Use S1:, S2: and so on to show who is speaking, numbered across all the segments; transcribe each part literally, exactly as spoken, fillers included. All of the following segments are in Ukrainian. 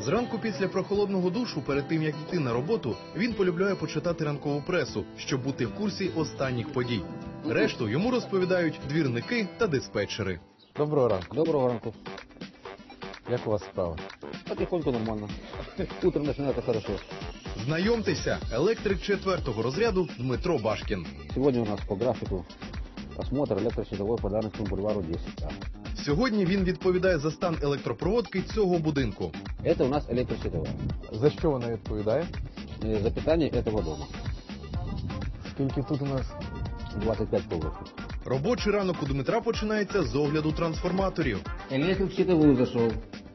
S1: Зранку після прохолодного душу, перед тим як йти на роботу, він полюбляє почитати ранкову пресу, щоб бути в курсі останніх подій. Решту йому розповідають двірники та диспетчери.
S2: Доброго ранку.
S3: Доброго ранку.
S2: Як у вас справа?
S3: Потихоньку нормально. Утром начинается хорошо.
S1: Знайомтеся, електрик четвертого розряду Дмитро Башкін.
S3: Сегодня у нас по графику осмотр электрощитовой по Дарницкому бульвару десять А.
S1: Сьогодні він відповідає за стан електропроводки цього будинку.
S3: Это у нас электрощитовая.
S2: За що вона відповідає?
S3: Э, За питание этого дома.
S2: Скільки тут у нас?
S3: двадцать пять полосов.
S1: Робочий ранок у Дмитра починається з огляду трансформаторів.
S3: Электрик в щитовую зашел.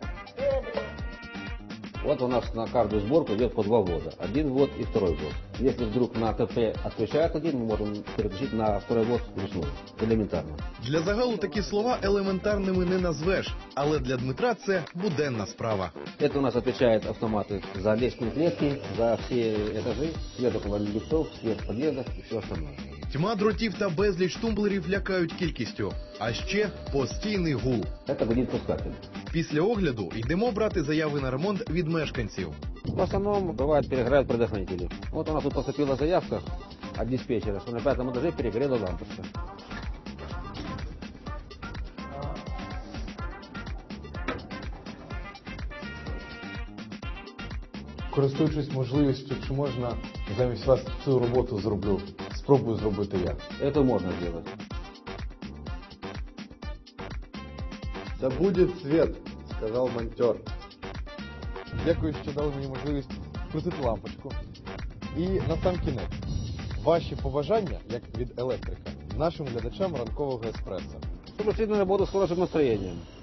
S3: Вот у нас на каждую сборку идет по два ввода. Один ввод и второй ввод. Если вдруг на КП отключает один, мы можем переключить на второй ввод вручную. Элементарно.
S1: Для загалу такі слова елементарними не назвеш, але для Дмитра це буденна справа.
S3: Это у нас отвечают автоматы за лестничные клетки, за все этажи, свет около лифтов, свет в подъездах и все остальное.
S1: Тьма дротів та безліч тумблерів лякають кількістю, а ще постійний гул.
S3: Это гудит пускатель.
S1: Після огляду йдемо брати заяви на ремонт від мешканців.
S3: В основном бывает перегорают предохранители. Вот у нас тут поступила заявка от диспетчера, что на пятом этаже перегорела лампочка.
S2: Користуючись можливістю, чи можна замість вас цю роботу зроблю? Спробую зробити я.
S3: Это можно сделать.
S4: «Да будет свет», — сказал монтер.
S2: Дякую, що дали мені можливість крутити лампочку. І на сам кінець, ваші побажання, як від електрика, нашим глядачам ранкового еспресо.
S3: Чтобы шли на работу с хорошим настроением.